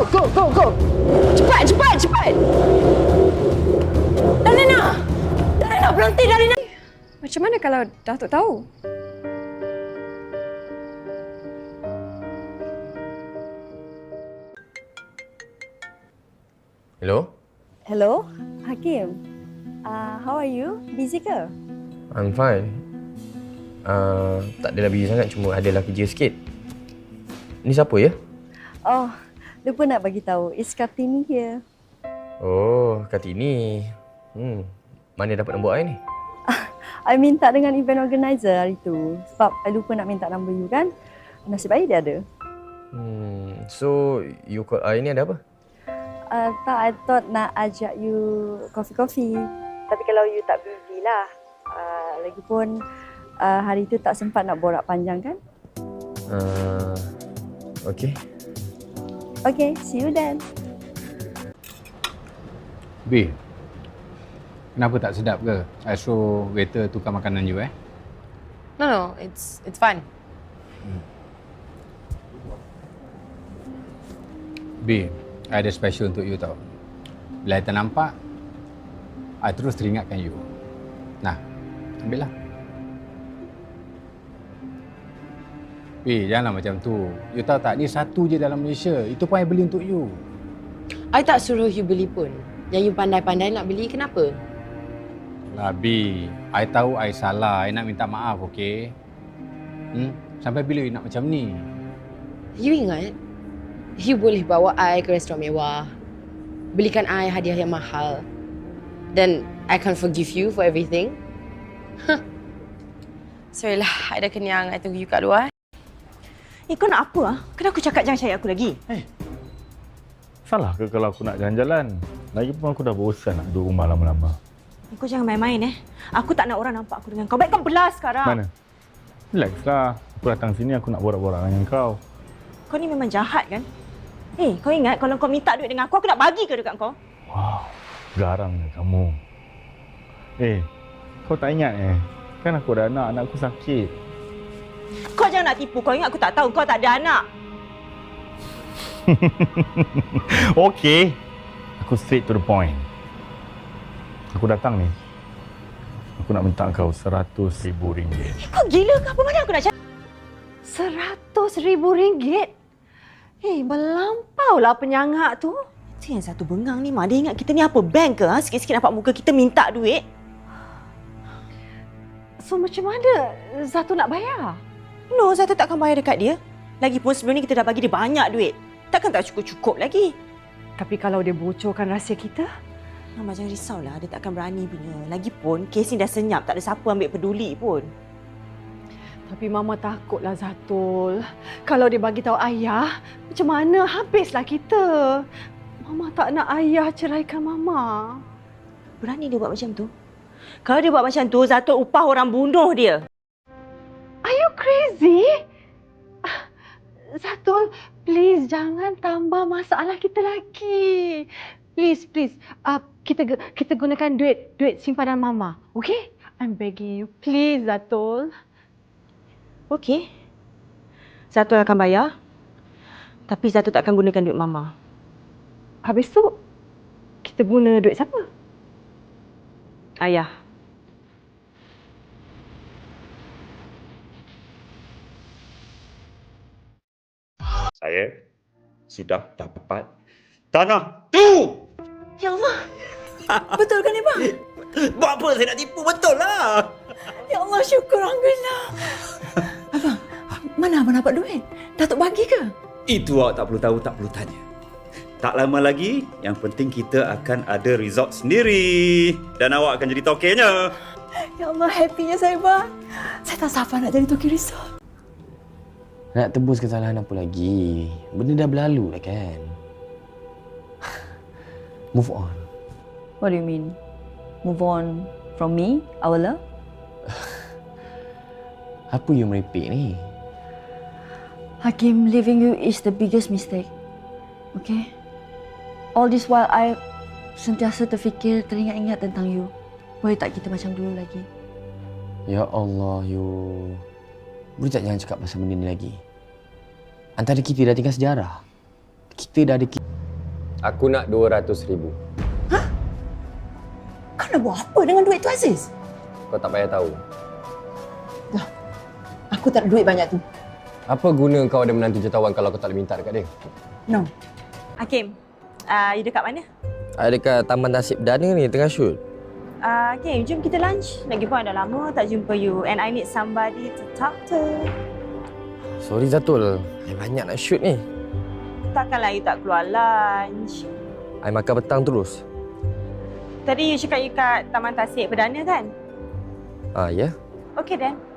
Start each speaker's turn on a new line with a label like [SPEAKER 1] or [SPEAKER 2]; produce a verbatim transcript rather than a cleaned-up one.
[SPEAKER 1] go, go, go. Cepat, cepat, cepat. Dalina! Dalina, berhenti, Dalina!
[SPEAKER 2] Macam mana kalau Datuk tahu?
[SPEAKER 3] Hello?
[SPEAKER 4] Hello, Hakim. Uh, how are you? Busy ke?
[SPEAKER 3] I'm fine. Uh, tak adalah busy sangat, cuma adalah kerja sikit. Ni siapa ya?
[SPEAKER 4] Oh, lupa nak bagi tahu. It's Kartini here.
[SPEAKER 3] Oh, Kartini. Hmm, mana dapat nombor I ni?
[SPEAKER 4] I minta dengan event organizer hari tu. Sebab I lupa nak minta nombor you kan. Nasib baik dia ada.
[SPEAKER 3] Hmm, so you call I ni ada apa?
[SPEAKER 4] Uh, tak, I thought nak ajak you kopi-kopi. Tapi kalau you tak busy lah. Uh, lagipun uh, hari tu tak sempat nak borak panjang kan?
[SPEAKER 3] Uh, okay.
[SPEAKER 4] Okay, see you then.
[SPEAKER 5] B, kenapa tak sedap ke? I suruh waiter tukar makanan you eh?
[SPEAKER 2] No, no, it's it's fine.
[SPEAKER 5] B, I ada special untuk you tau. Bila I ternampak, I terus teringatkan you. Nah, ambillah. B, janganlah macam tu. You tahu tak, ni satu je dalam Malaysia. Itu pun I beli untuk you.
[SPEAKER 2] I tak suruh you beli pun. Yang you pandai-pandai nak beli, kenapa?
[SPEAKER 5] Lah B, I tahu I salah. I nak minta maaf, okey? Hmm? Sampai bila you nak macam ni?
[SPEAKER 2] You ingat, you boleh bawa I ke restoran mewah, belikan I hadiah yang mahal, then I can forgive you for everything? Huh. Sorry lah, I dah kenyang. I tunggu you kat luar.
[SPEAKER 1] Eh, kau nak apa? Ah? Kenapa aku cakap jangan cari aku lagi?
[SPEAKER 6] Eh, salah ke kalau aku nak jalan-jalan? Lagipun aku dah bosan nak duduk rumah lama-lama.
[SPEAKER 1] Eh, kau jangan main-main eh. Aku tak nak orang nampak aku dengan kau. Baik kau belas sekarang.
[SPEAKER 6] Mana? Relaxlah. Aku datang sini aku nak borak-borak dengan kau.
[SPEAKER 1] Kau ni memang jahat kan? Eh, kau ingat kalau kau minta duit dengan aku, aku nak bagi ke dekat kau?
[SPEAKER 6] Wow, garangnya kamu. Eh, kau tak ingat eh? Kan aku ada anak, anak aku sakit.
[SPEAKER 1] Kau jangan nak tipu. Kau ingat aku tak tahu kau tak ada anak?
[SPEAKER 6] Okey. Aku straight to the point. Aku datang ni. Aku nak minta kau seratus ribu ringgit.
[SPEAKER 1] Eh, kau gila ke apa? Mana aku nak cari? Seratus ribu ringgit? Eh, melampaulah penyangak tu. Tu yang satu bengang ni, Mak. Dia ingat kita ni apa, bank ke? Ha? Sikit-sikit nampak muka kita minta duit. So, macam mana Zatu nak bayar? No, Zatu takkan bayar dekat dia. Lagipun sebelum ni kita dah bagi dia banyak duit. Takkan tak cukup-cukup lagi. Tapi kalau dia bocorkan rahsia kita? Mama jangan risaulah, dia takkan berani punya. Lagipun, kes ni dah senyap, tak ada siapa ambil peduli pun. Tapi Mama takutlah Zatul. Kalau dia bagi tahu ayah, macam mana habislah kita. Mama tak nak ayah ceraikan Mama. Berani dia buat macam tu? Kalau dia buat macam tu, Zatul upah orang bunuh dia. Are you crazy? Zatul, please jangan tambah masalah kita lagi. Please, please. Uh, kita kita gunakan duit duit simpanan Mama. Okay? I'm begging you. Please, Zatul. Okay. Zatul akan bayar. Tapi Zatul tak akan gunakan duit Mama. Habis tu, kita guna duit siapa? Ayah.
[SPEAKER 7] Saya sudah dapat tanah tu.
[SPEAKER 1] Ya Allah. Betul kan ni, Bang?
[SPEAKER 7] Buat apa saya nak tipu? Betul lah.
[SPEAKER 1] Ya Allah, syukur Alhamdulillah. Abang, mana abang dapat duit? Datuk bagi ke?
[SPEAKER 7] Itu awak tak perlu tahu, tak perlu tanya. Tak lama lagi, yang penting kita akan ada resort sendiri. Dan awak akan jadi tokenya.
[SPEAKER 1] Ya Allah, happynya saya, Bang. Saya tak sabar nak jadi toki resort.
[SPEAKER 3] Nak tebus kesalahan apa lagi? Benda dah berlalu lah kan? Move on.
[SPEAKER 4] What do you mean? Move on from me, our love?
[SPEAKER 3] Apa you merepek ni?
[SPEAKER 4] Hakim, leaving you is the biggest mistake. Okay? All this while I sentiasa terfikir, teringat-ingat tentang you. Boleh tak kita macam dulu lagi?
[SPEAKER 3] Ya Allah, you. Boleh tak jangan cakap pasal benda ni lagi? Antara kita dah tinggal sejarah. Kita dah ada... Aku nak dua ratus ribu.
[SPEAKER 8] Kau nak buat apa dengan duit tu, Aziz?
[SPEAKER 3] Kau tak payah tahu.
[SPEAKER 8] Aku tak ada duit banyak tu.
[SPEAKER 3] Apa guna kau ada menantu jutawan kalau kau tak boleh minta dekat dia?
[SPEAKER 8] No.
[SPEAKER 1] Hakim, uh, you dekat mana?
[SPEAKER 9] Ada dekat Taman Nasib Perdana ni, tengah shoot.
[SPEAKER 1] Uh, Hakim, jom kita lunch. Lagipun dah lama tak jumpa you and I need somebody to talk to.
[SPEAKER 9] Sorry Zatul, I banyak nak shoot ni.
[SPEAKER 1] Takkanlah you tak keluar lunch.
[SPEAKER 9] I makan petang terus.
[SPEAKER 1] Tadi you cakap you kat Taman Tasik Perdana kan?
[SPEAKER 9] Ah, ya?
[SPEAKER 1] Okay then.